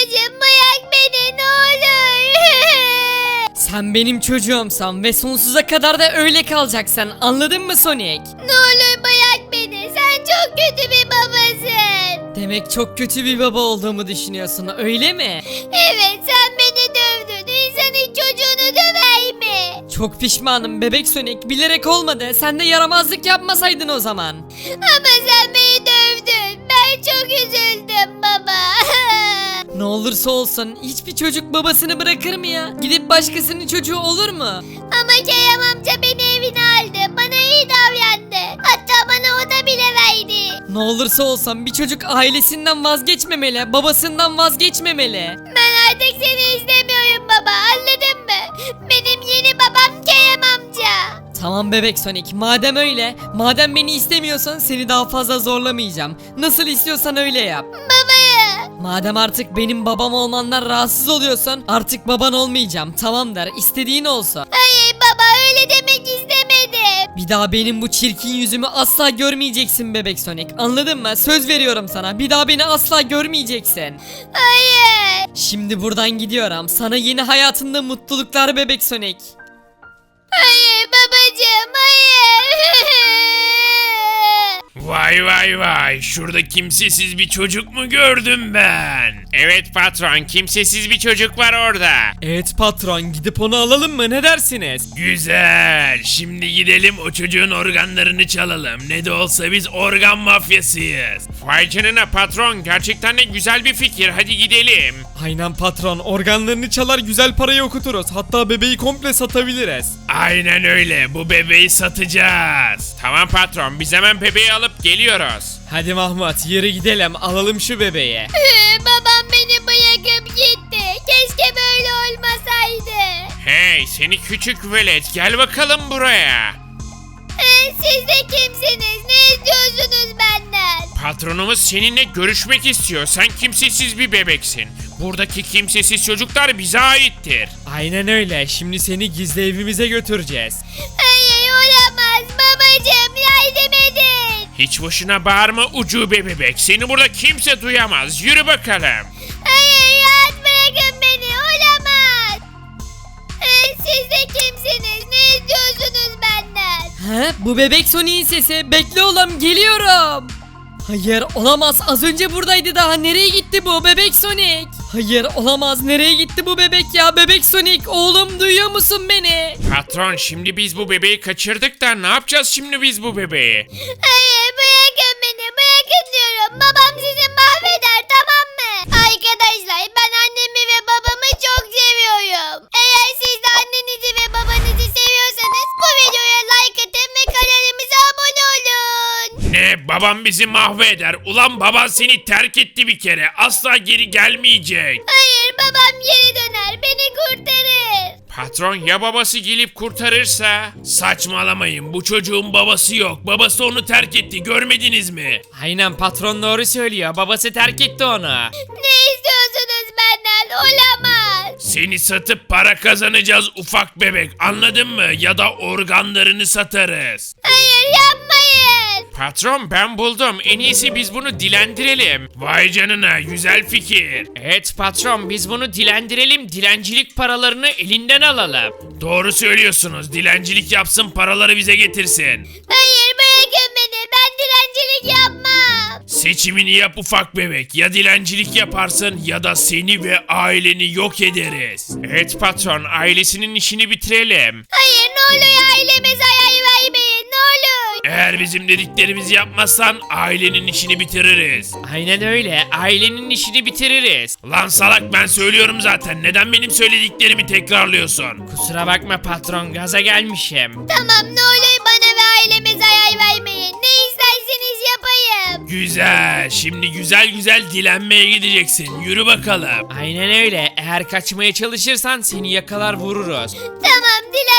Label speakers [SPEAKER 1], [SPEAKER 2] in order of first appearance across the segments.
[SPEAKER 1] Babacım bırak beni ne olur.
[SPEAKER 2] Sen benim çocuğumsan ve sonsuza kadar da öyle kalacaksın, anladın mı Sonic?
[SPEAKER 1] Ne olur bırak beni. Sen çok kötü bir babasın.
[SPEAKER 2] Demek çok kötü bir baba olduğumu düşünüyorsun, öyle mi?
[SPEAKER 1] Evet sen beni dövdün. İnsanın çocuğunu döver mi?
[SPEAKER 2] Çok pişmanım bebek Sonic, bilerek olmadı. Sen de yaramazlık yapmasaydın o zaman.
[SPEAKER 1] Ama sen beni dövdün. Ben çok üzüldüm baba.
[SPEAKER 2] Ne olursa olsun hiçbir çocuk babasını bırakır mı ya? Gidip başkasının çocuğu olur mu?
[SPEAKER 1] Ama Kerem amca beni evine aldı. Bana iyi davrandı. Hatta bana oda bile verdi.
[SPEAKER 2] Ne olursa olsun bir çocuk ailesinden vazgeçmemeli, babasından vazgeçmemeli.
[SPEAKER 1] Ben artık seni istemiyorum baba. Anladın mı? Benim yeni babam Kerem amca.
[SPEAKER 2] Tamam bebek Sonic, madem öyle, madem beni istemiyorsan seni daha fazla zorlamayacağım. Nasıl istiyorsan öyle yap.
[SPEAKER 1] Baba.
[SPEAKER 2] Madem artık benim babam olmandan rahatsız oluyorsan artık baban olmayacağım, tamam der, istediğin olsun.
[SPEAKER 1] Hayır baba öyle demek istemedim.
[SPEAKER 2] Bir daha benim bu çirkin yüzümü asla görmeyeceksin bebek Sonic, anladın mı? Söz veriyorum sana, bir daha beni asla görmeyeceksin.
[SPEAKER 1] Hayır.
[SPEAKER 2] Şimdi buradan gidiyorum, sana yeni hayatında mutluluklar bebek Sonic.
[SPEAKER 1] Hayır babacığım hayır.
[SPEAKER 3] Vay vay vay, şurada kimsesiz bir çocuk mu gördüm ben? Evet patron, kimsesiz bir çocuk var orada.
[SPEAKER 2] Evet patron, gidip onu alalım mı, ne dersiniz?
[SPEAKER 3] Güzel, şimdi gidelim o çocuğun organlarını çalalım. Ne de olsa biz organ mafyasıyız. Vay canına patron, gerçekten de güzel bir fikir, hadi gidelim.
[SPEAKER 4] Aynen patron, organlarını çalar güzel parayı okuturuz. Hatta bebeği komple satabiliriz.
[SPEAKER 3] Aynen öyle, bu bebeği satacağız. Tamam patron, biz hemen bebeği alıp geliyoruz.
[SPEAKER 4] Hadi Mahmut yürü gidelim, alalım şu bebeği.
[SPEAKER 1] Babam beni bırakıp gitti. Keşke böyle olmasaydı.
[SPEAKER 3] Hey seni küçük velet, gel bakalım buraya.
[SPEAKER 1] Siz de kimsiniz? Ne istiyorsunuz benden?
[SPEAKER 3] Patronumuz seninle görüşmek istiyor. Sen kimsesiz bir bebeksin. Buradaki kimsesiz çocuklar bize aittir.
[SPEAKER 4] Aynen öyle, şimdi seni gizli evimize götüreceğiz.
[SPEAKER 1] Hayır olamaz. Babacığım yardım edin.
[SPEAKER 3] Hiç boşuna bağırma ucube bebek. Seni burada kimse duyamaz. Yürü bakalım.
[SPEAKER 1] Hayır rahat bırakın beni. Olamaz. Siz de kimsiniz? Ne istiyorsunuz benden?
[SPEAKER 2] He? Bu bebek Sonic'in sesi. Bekle oğlum, geliyorum. Hayır olamaz, az önce buradaydı daha, nereye gitti bu bebek Sonic? Hayır olamaz, nereye gitti bu bebek ya? Bebek Sonic oğlum, duyuyor musun beni?
[SPEAKER 3] Patron şimdi biz bu bebeği kaçırdık da ne yapacağız şimdi biz bu bebeği?
[SPEAKER 1] Hayır bırakın beni. Bırakın diyorum. Babam sizi mahveder tamam mı? Arkadaşlar ben annemi ve babamı çok seviyorum. Eğer siz de annenizi ve babanızı seviyorsanız bu videoya like atın ve kanalımıza abone olun.
[SPEAKER 3] Ne, babam bizi mahveder. Ulan baban seni terk etti bir kere. Asla geri gelmeyecek.
[SPEAKER 1] Hayır babam geri döner. Beni kurtarır.
[SPEAKER 3] Patron ya babası gelip kurtarırsa? Saçmalamayın, bu çocuğun babası yok. Babası onu terk etti, görmediniz mi?
[SPEAKER 4] Aynen, patron doğru söylüyor, babası terk etti onu.
[SPEAKER 1] Ne istiyorsunuz benden? Olamaz.
[SPEAKER 3] Seni satıp para kazanacağız ufak bebek, anladın mı? Ya da organlarını satarız.
[SPEAKER 1] Hayır yapmayın.
[SPEAKER 3] Patron ben buldum, en iyisi biz bunu dilendirelim. Vay canına, güzel fikir.
[SPEAKER 4] Evet patron, biz bunu dilendirelim, dilencilik paralarını elinden alalım.
[SPEAKER 3] Doğru söylüyorsunuz, dilencilik yapsın, paraları bize getirsin.
[SPEAKER 1] Hayır bırakın beni. Ben dilencilik yapmam.
[SPEAKER 3] Seçimini yap ufak bebek, ya dilencilik yaparsın ya da seni ve aileni yok ederiz. Evet patron, ailesinin işini bitirelim.
[SPEAKER 1] Hayır ne oluyor aileme zarar vermeyin ne olur.
[SPEAKER 3] Eğer bizim dediklerimizi yapmazsan ailenin işini bitiririz.
[SPEAKER 4] Aynen öyle, ailenin işini bitiririz.
[SPEAKER 3] Lan salak, ben söylüyorum zaten, neden benim söylediklerimi tekrarlıyorsun?
[SPEAKER 4] Kusura bakma patron, gaza gelmişim.
[SPEAKER 1] Tamam ne olur bana ve aileme zarar vermeyin. Ne isterseniz yapayım.
[SPEAKER 3] Güzel, şimdi güzel güzel dilenmeye gideceksin, yürü bakalım.
[SPEAKER 4] Aynen öyle, eğer kaçmaya çalışırsan seni yakalar vururuz.
[SPEAKER 1] Tamam dilenmeye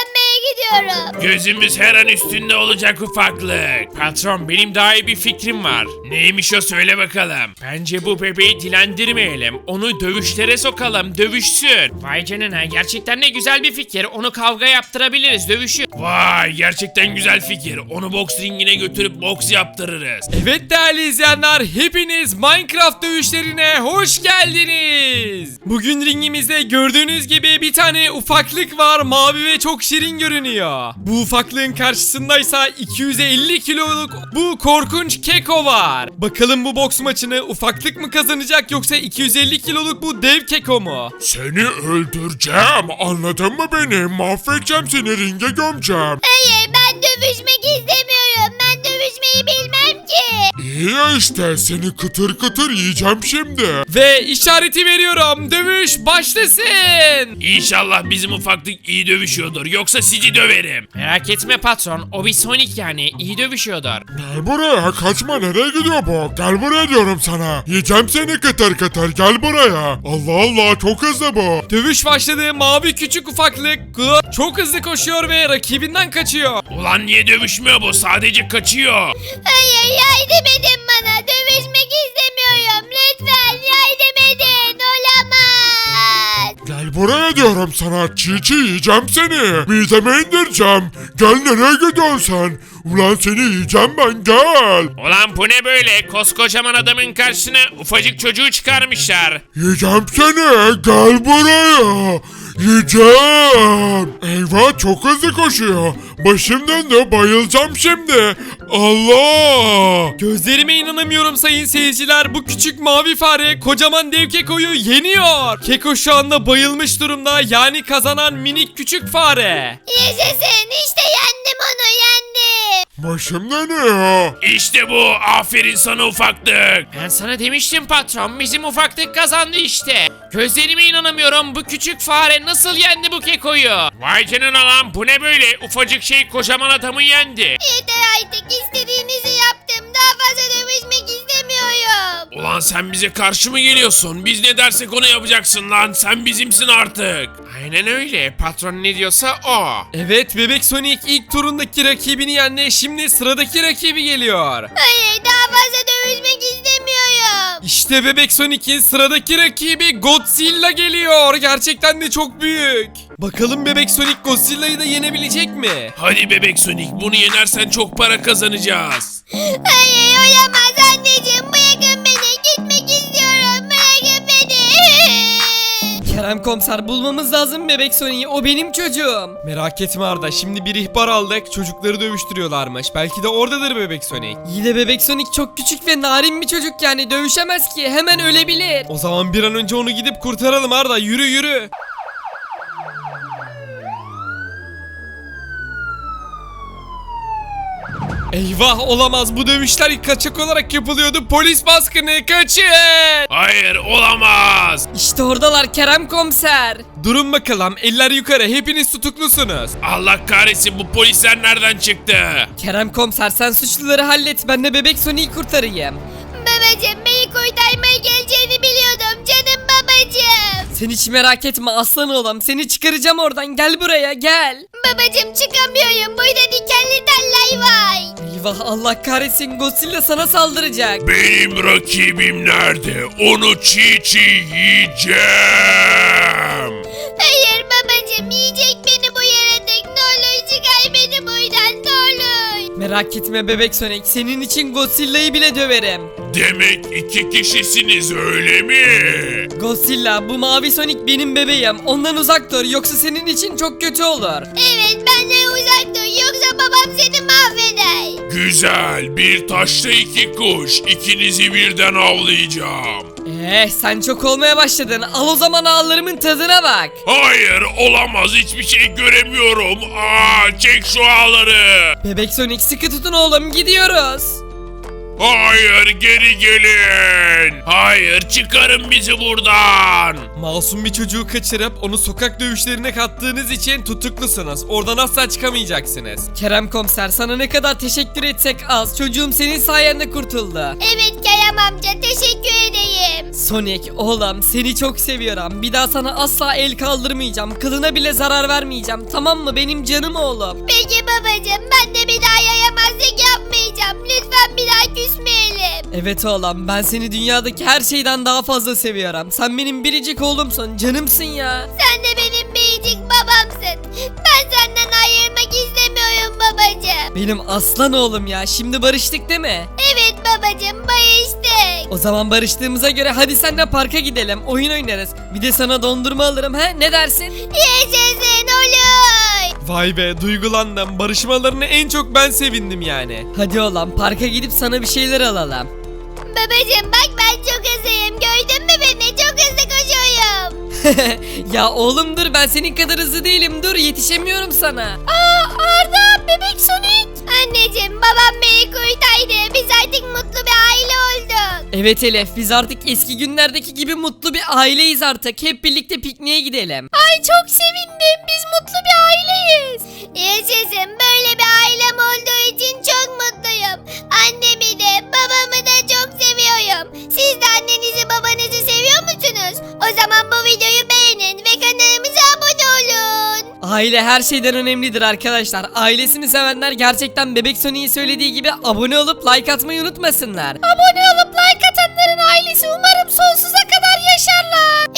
[SPEAKER 1] gidiyorum.
[SPEAKER 3] Gözümüz her an üstünde olacak ufaklık. Patron benim daha iyi bir fikrim var. Neymiş o söyle bakalım. Bence bu bebeği dilendirmeyelim. Onu dövüşlere sokalım dövüşsün.
[SPEAKER 2] Vay canına gerçekten ne güzel bir fikir. Onu kavga yaptırabiliriz dövüşü.
[SPEAKER 3] Vay gerçekten güzel fikir. Onu boks ringine götürüp boks yaptırırız.
[SPEAKER 4] Evet değerli izleyenler, hepiniz Minecraft dövüşlerine hoş geldiniz. Bugün ringimizde gördüğünüz gibi bir tane ufaklık var, mavi ve çok şirin görünüyor. Bu ufaklığın karşısındaysa 250 kiloluk bu korkunç Keko var. Bakalım bu boks maçını ufaklık mı kazanacak yoksa 250 kiloluk bu dev Keko mu?
[SPEAKER 5] Seni öldüreceğim. Anladın mı beni? Mahvedeceğim seni, ringe gömeceğim.
[SPEAKER 1] Hayır ben dövüşmek istemiyorum. Ben dövüşmeyi bilmem ki.
[SPEAKER 5] İyi ya işte, seni kıtır kıtır yiyeceğim şimdi.
[SPEAKER 4] Ve işareti veriyorum, dövüş başlasın.
[SPEAKER 3] İnşallah bizim ufaklık iyi dövüşüyordur. Yoksa sizi döverim.
[SPEAKER 2] Merak etme patron. O bir Sonic yani. İyi dövüşüyordur.
[SPEAKER 5] Gel buraya, kaçma, nereye gidiyor bu? Gel buraya diyorum sana. Yiyeceğim seni kıtır kıtır, gel buraya. Allah Allah, çok hızlı bu.
[SPEAKER 4] Dövüş başladı, mavi küçük ufaklık çok hızlı koşuyor ve rakibinden kaçıyor.
[SPEAKER 3] Ulan niye dövüşmüyor bu? Sadece kaçıyor.
[SPEAKER 1] Hayır yardım edin bana. Dövüşmek istemiyorum. Lütfen yardım edin. Olamaz.
[SPEAKER 5] Gel buraya diyorum sana, çiğ çiğ yiyeceğim seni. Mideme indireceğim. Gel, nereye gidiyorsun sen? Ulan seni yiyeceğim ben, gel.
[SPEAKER 3] Ulan bu ne böyle? Koskocaman adamın karşısına ufacık çocuğu çıkarmışlar.
[SPEAKER 5] Yiyeceğim seni, gel buraya. Yiyeceğim. Eyvah, çok hızlı koşuyor. Başım döndü, bayılacağım şimdi. Allah.
[SPEAKER 4] Gözlerime inanamıyorum sayın seyirciler. Bu küçük mavi fare kocaman dev Keko'yu yeniyor. Keko şu anda bayılmış durumda. Yani kazanan minik küçük fare.
[SPEAKER 1] Yaşasın işte yendim onu yendim.
[SPEAKER 5] Başım dönüyor.
[SPEAKER 3] İşte bu. Aferin sana ufaklık.
[SPEAKER 2] Ben sana demiştim patron. Bizim ufaklık kazandı işte. Gözlerime inanamıyorum. Bu küçük fare nasıl yendi bu Keko'yu?
[SPEAKER 3] Vay canına lan bu ne böyle? Ufacık şey kocaman adamı yendi.
[SPEAKER 1] Yeter artık istediğinizi yaptım. Daha fazla dövüşmek istemiyorum.
[SPEAKER 3] Ulan sen bize karşı mı geliyorsun? Biz ne dersek onu yapacaksın lan. Sen bizimsin artık.
[SPEAKER 2] Aynen öyle. Patron ne diyorsa o.
[SPEAKER 4] Evet, Bebek Sonic ilk turundaki rakibini yendi. Şimdi sıradaki rakibi geliyor.
[SPEAKER 1] Hayır daha fazla dövüşmek istemiyorum.
[SPEAKER 4] İşte Bebek Sonic'in sıradaki rakibi Godzilla geliyor. Gerçekten de çok büyük. Bakalım Bebek Sonic Godzilla'yı da yenebilecek mi?
[SPEAKER 3] Hadi bebek Sonic bunu yenersen çok para kazanacağız.
[SPEAKER 1] Hayır olamaz anneciğim. Bırakın beni. Gitmek istiyorum. Bırakın beni.
[SPEAKER 2] Kerem komiser bulmamız lazım Bebek Sonic'i. O benim çocuğum.
[SPEAKER 4] Merak etme Arda, şimdi bir ihbar aldık. Çocukları dövüştürüyorlarmış. Belki de oradadır Bebek Sonic.
[SPEAKER 2] İyi de Bebek Sonic çok küçük ve narin bir çocuk yani. Dövüşemez ki. Hemen ölebilir.
[SPEAKER 4] O zaman bir an önce onu gidip kurtaralım Arda, yürü yürü. Eyvah, olamaz, bu dövüşler kaçak olarak yapılıyordu. Polis baskını, kaçın.
[SPEAKER 3] Hayır olamaz.
[SPEAKER 2] İşte oradalar Kerem komiser.
[SPEAKER 4] Durun bakalım, eller yukarı, hepiniz tutuklusunuz.
[SPEAKER 3] Allah kahretsin bu polisler nereden çıktı?
[SPEAKER 2] Kerem komiser sen suçluları hallet. Ben de Bebek Sonic'i kurtarayım.
[SPEAKER 1] Babacığım beni kurtarmaya geleceğini biliyordum. Canım babacığım.
[SPEAKER 2] Sen hiç merak etme aslan oğlum. Seni çıkaracağım oradan. Gel buraya gel.
[SPEAKER 1] Babacığım çıkamıyorum. Burada dikenli teller var.
[SPEAKER 2] Eyvah Allah kahretsin. Godzilla sana saldıracak.
[SPEAKER 3] Benim rakibim nerede? Onu çiğ çiğ yiyeceğim.
[SPEAKER 1] Hayır babacığım yiyecek beni bu yaratık. Ne olur çıkar beni buradan ne olur.
[SPEAKER 2] Merak etme Bebek Sonic. Senin için Godzilla'yı bile döverim.
[SPEAKER 3] Demek iki kişisiniz öyle mi?
[SPEAKER 2] Godzilla bu mavi Sonic benim bebeğim. Ondan uzak dur yoksa senin için çok kötü olur.
[SPEAKER 1] Evet benden uzak dur yoksa babam seni mahveder.
[SPEAKER 3] Güzel bir taşla iki kuş. İkinizi birden avlayacağım.
[SPEAKER 2] Sen çok olmaya başladın. Al o zaman ağlarımın tadına bak.
[SPEAKER 3] Hayır olamaz hiçbir şey göremiyorum. Aa, çek şu ağları.
[SPEAKER 2] Bebek Sonic sıkı tutun oğlum gidiyoruz.
[SPEAKER 3] Hayır geri gelin. Hayır çıkarın bizi buradan.
[SPEAKER 4] Masum bir çocuğu kaçırıp onu sokak dövüşlerine kattığınız için tutuklusunuz. Oradan asla çıkamayacaksınız.
[SPEAKER 2] Kerem komiser sana ne kadar teşekkür etsek az. Çocuğum senin sayende kurtuldu.
[SPEAKER 1] Evet Kerem amca teşekkür edeyim.
[SPEAKER 2] Sonic oğlum seni çok seviyorum. Bir daha sana asla el kaldırmayacağım. Kılına bile zarar vermeyeceğim. Tamam mı benim canım oğlum?
[SPEAKER 1] Peki babacığım ben de bir daha yayamazlık yapmayacağım. Lütfen bir daha küsmeyelim.
[SPEAKER 2] Evet oğlum ben seni dünyadaki her şeyden daha fazla seviyorum. Sen benim biricik oğlumsun. Canımsın ya.
[SPEAKER 1] Sen de benim biricik babamsın. Ben senden ayrılmak istemiyorum babacığım.
[SPEAKER 2] Benim aslan oğlum ya. Şimdi barıştık değil mi?
[SPEAKER 1] Evet babacığım barıştık.
[SPEAKER 2] O zaman barıştığımıza göre hadi senle parka gidelim. Oyun oynarız. Bir de sana dondurma alırım he? Ne dersin?
[SPEAKER 1] Yaşasın olur.
[SPEAKER 4] Vay be, duygulandım. Barışmalarına en çok ben sevindim yani.
[SPEAKER 2] Hadi oğlum parka gidip sana bir şeyler alalım.
[SPEAKER 1] Babacığım bak ben çok hızlıyım. Gördün mü beni? Çok hızlı koşuyorum.
[SPEAKER 2] Ya oğlum dur ben senin kadar hızlı değilim. Dur yetişemiyorum sana.
[SPEAKER 1] Arda bebek Sonic. Anneciğim babam beni kurtardı. Biz artık mutlu bir aile olduk.
[SPEAKER 2] Evet Elif biz artık eski günlerdeki gibi mutlu bir aileyiz artık. Hep birlikte pikniğe gidelim.
[SPEAKER 1] Ay çok sevindim. Biz mutlu bir aileyiz. Yaşasın. Böyle bir ailem olduğu için çok mutluyum. Annemi de babamı da çok seviyorum. Siz de annenizi babanızı seviyor musunuz? O zaman bu videoyu beğenin ve kanalımıza abone olun.
[SPEAKER 2] Aile her şeyden önemlidir arkadaşlar. Ailesini sevenler gerçekten Bebek Sonic'in söylediği gibi abone olup like atmayı unutmasınlar.
[SPEAKER 1] Abone olup like atanların ailesi umarım sonsuza kadar yaşarlar.